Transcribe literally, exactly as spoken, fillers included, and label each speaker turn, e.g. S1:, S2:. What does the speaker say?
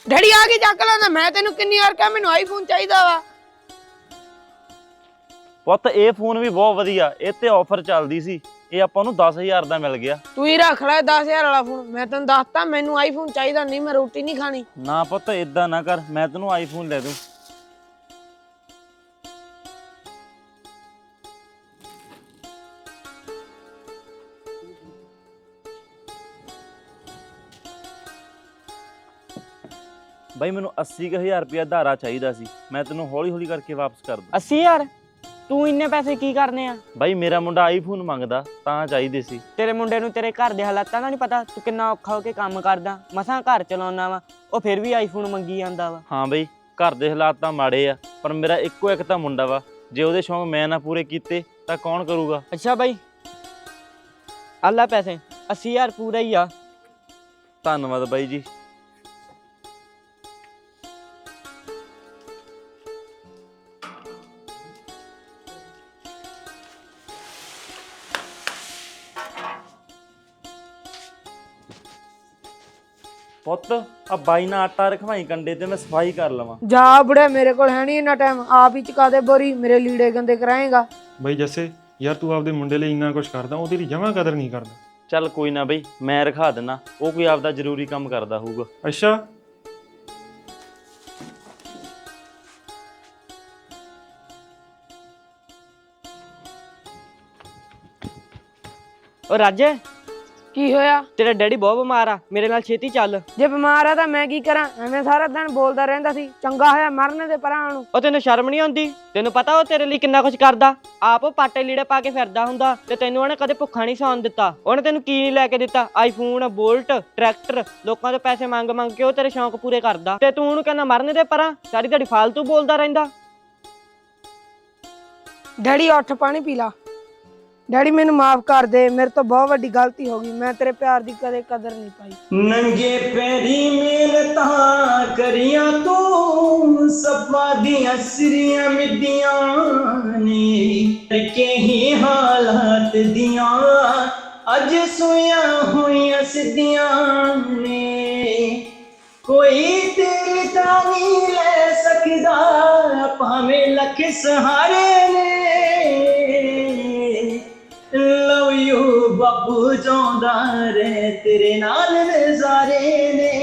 S1: Daddy ਆ ਕੇ ਚੱਕ ਲੈਂਦਾ। ਮੈਂ ਤੈਨੂੰ ਕਿੰਨੀ ਵਾਰ ਕਿਹਾ ਮੈਨੂੰ ਆਈਫੋਨ ਚਾਹੀਦਾ ਵਾ।
S2: ਪੁੱਤ ਇਹ ਫੋਨ ਵੀ ਬਹੁਤ ਵਧੀਆ, ਇਹ ਤੇ ਆਫਰ ਚੱਲਦੀ ਸੀ, ਇਹ ਆਪਾਂ ਨੂੰ ਦਸ ਹਜ਼ਾਰ ਦਾ ਮਿਲ ਗਿਆ।
S1: ਤੂੰ ਹੀ ਰੱਖ ਲੈ ਦਸ ਹਜ਼ਾਰ ਵਾਲਾ ਫੋਨ। ਮੈਂ ਤੈਨੂੰ ਦੱਸਤਾ ਮੈਨੂੰ ਆਈਫੋਨ ਚਾਹੀਦਾ ਨਹੀਂ, ਮੈਂ ਰੋਟੀ ਨਹੀਂ ਖਾਣੀ।
S2: ਨਾ ਪੁੱਤ ਏਦਾਂ ਨਾ ਕਰ, ਮੈਂ ਤੈਨੂੰ ਆਈਫੋਨ ਲੈ ਦੂੰ। ਬਾਈ ਮੈਨੂੰ ਅੱਸੀ ਕੁ ਹਜ਼ਾਰ ਰੁਪਇਆ ਉਧਾਰਾ ਚਾਹੀਦਾ ਸੀ, ਮੈਂ ਤੈਨੂੰ ਹੌਲੀ ਹੌਲੀ ਕਰਕੇ ਵਾਪਸ ਕਰ ਦੂੰ।
S3: अस्सी हज़ार? तू इन्ने पैसे की करने आ?
S2: ਬਾਈ ਮੇਰਾ ਮੁੰਡਾ ਆਈਫੋਨ ਮੰਗਦਾ ਤਾਂ ਚਾਹੀਦੇ ਸੀ।
S3: तेरे मुंडे नूं तेरे घर दे हालातां दा नहीं पता? तू किन्ना औखा हो के काम करदा, मसां घर चलाउणा वा, ਉਹ ਫਿਰ ਵੀ ਆਈਫੋਨ ਮੰਗੀ ਜਾਂਦਾ ਵਾ।
S2: ਹਾਂ ਬਈ ਘਰ ਦੇ ਹਾਲਾਤ ਤਾਂ ਮਾੜੇ ਆ, ਪਰ ਮੇਰਾ ਇੱਕੋ ਇੱਕ ਤਾਂ ਮੁੰਡਾ ਵਾ, ਜੇ ਉਹਦੇ ਸ਼ੌਂਕ ਮੈਂ ਨਾ ਪੂਰੇ ਕੀਤੇ ਤਾਂ ਕੌਣ ਕਰੂਗਾ।
S3: ਅੱਛਾ ਬਾਈ ਅੱਲਾ ਪੈਸੇ अस्सी हज़ार ਪੂਰਾ ਹੀ ਆ।
S2: ਧੰਨਵਾਦ ਬਾਈ ਜੀ। ਪੁੱਤ ਆ ਬਾਈ ਨਾਲ ਆਟਾ ਰਖਵਾਈ ਕੰਡੇ ਤੇ ਮੈਂ ਸਫਾਈ ਕਰ ਲਵਾਂ।
S1: ਜਾ ਬੁੜੇ ਮੇਰੇ ਕੋਲ ਹੈ ਨਹੀਂ ਇੰਨਾ ਟਾਈਮ, ਆਪ ਹੀ ਚਕਾ ਦੇ ਬੋਰੀ, ਮੇਰੇ ਲੀੜੇ ਗੰਦੇ ਕਰਾਏਗਾ।
S4: ਬਈ ਜੱਸੇ ਯਾਰ ਤੂੰ ਆਪਦੇ ਮੁੰਡੇ ਲਈ ਇੰਨਾ ਕੁਛ ਕਰਦਾ, ਉਹ ਤੇਰੀ ਜਮਾਂ ਕਦਰ ਨਹੀਂ ਕਰਦਾ।
S2: ਚੱਲ ਕੋਈ ਨਾ ਬਈ ਮੈਂ ਰਖਾ ਦਿੰਦਾ, ਉਹ ਕੋਈ ਆਪਦਾ ਜ਼ਰੂਰੀ ਕੰਮ ਕਰਦਾ ਹੋਊਗਾ।
S4: ਅੱਛਾ
S3: ਉਹ ਰਾਜੇ
S1: ਕੀ ਹੋਇਆ?
S3: ਤੇਰਾ ਡੈਡੀ ਬਹੁਤ ਬਿਮਾਰ ਆ, ਮੇਰੇ ਨਾਲ ਛੇਤੀ ਚੱਲ।
S1: ਜੇ ਬਿਮਾਰ ਆ ਤਾਂ ਮੈਂ ਕੀ ਕਰਾਂ? ਐਵੇਂ ਸਾਰਾ ਦਿਨ ਬੋਲਦਾ ਰਹਿੰਦਾ ਸੀ, ਚੰਗਾ ਹੋਇਆ ਮਰਨ ਦੇ ਪਰਾਂ ਨੂੰ।
S3: ਉਹ ਤੈਨੂੰ ਸ਼ਰਮ ਨਹੀਂ ਆਉਂਦੀ? ਤੈਨੂੰ ਪਤਾ ਉਹ ਤੇਰੇ ਲਈ ਕਿੰਨਾ ਕੁਝ ਕਰਦਾ, ਆਪ ਉਹ ਪਾਟੇ ਲੀੜੇ ਪਾ ਕੇ ਫਿਰਦਾ ਹੁੰਦਾ, ਤੇ ਤੈਨੂੰ ਉਹਨੇ ਕਦੇ ਭੁੱਖਾ ਨਹੀਂ ਸੌਣ ਦਿੱਤਾ। ਉਹਨੇ ਤੈਨੂੰ ਕੀ ਨਹੀਂ ਲੈ ਕੇ ਦਿੱਤਾ? ਆਈਫੋਨ, ਬੋਲਟ, ਟਰੈਕਟਰ, ਲੋਕਾਂ ਤੋਂ ਪੈਸੇ ਮੰਗ ਮੰਗ ਕੇ ਉਹ ਤੇਰੇ ਸ਼ੌਂਕ ਪੂਰੇ ਕਰਦਾ, ਤੇ ਤੂੰ ਉਹਨੂੰ ਕਹਿੰਦਾ ਮਰਨ ਦੇ ਪਰਾਂ, ਸਾਰੀ ਦਿਹਾੜੀ ਫਾਲਤੂ ਬੋਲਦਾ ਰਹਿੰਦਾ।
S1: ਡੈਡੀ ਉੱਠ ਪਾਣੀ ਪੀ ਲਾ। ਡੈਡੀ ਮੈਨੂੰ ਮਾਫ ਕਰ ਦੇ, ਮੇਰੇ ਤੋਂ ਬਹੁਤ ਵੱਡੀ ਗਲਤੀ ਹੋ ਗਈ, ਮੈਂ ਤੇਰੇ ਪਿਆਰ ਦੀ ਕਦੇ ਕਦਰ ਨਹੀਂ ਪਾਈ।
S5: ਨੰਗੇ ਪੈਰੀ ਮਿਹਨਤਾਂ ਕਰੀਆਂ ਤੂੰ, ਸਪਾ ਦੀਆਂ ਸਿਰੀਆਂ ਮਿੱਦੀਆਂ ਨੇ, ਕੇ ਹੀ ਹਾਲਾਤ ਦੀਆਂ ਅੱਜ ਸੋਈਆਂ ਹੋਈਆਂ ਸਿੱਧੀਆਂ ਨੇ। ਕੋਈ ਤੇਰੀ ਤਾਂ ਨਹੀਂ ਲੈ ਸਕਦਾ, ਭਾਵੇਂ ਲੱਖ ਸਹਾਰੇ ਨੇ। ਲਵ ਯੂ ਬਾਪੂ ਚਾਹੁੰਦਾ ਰੇ, ਤੇਰੇ ਨਾਲ ਨਜ਼ਾਰੇ ਨੇ।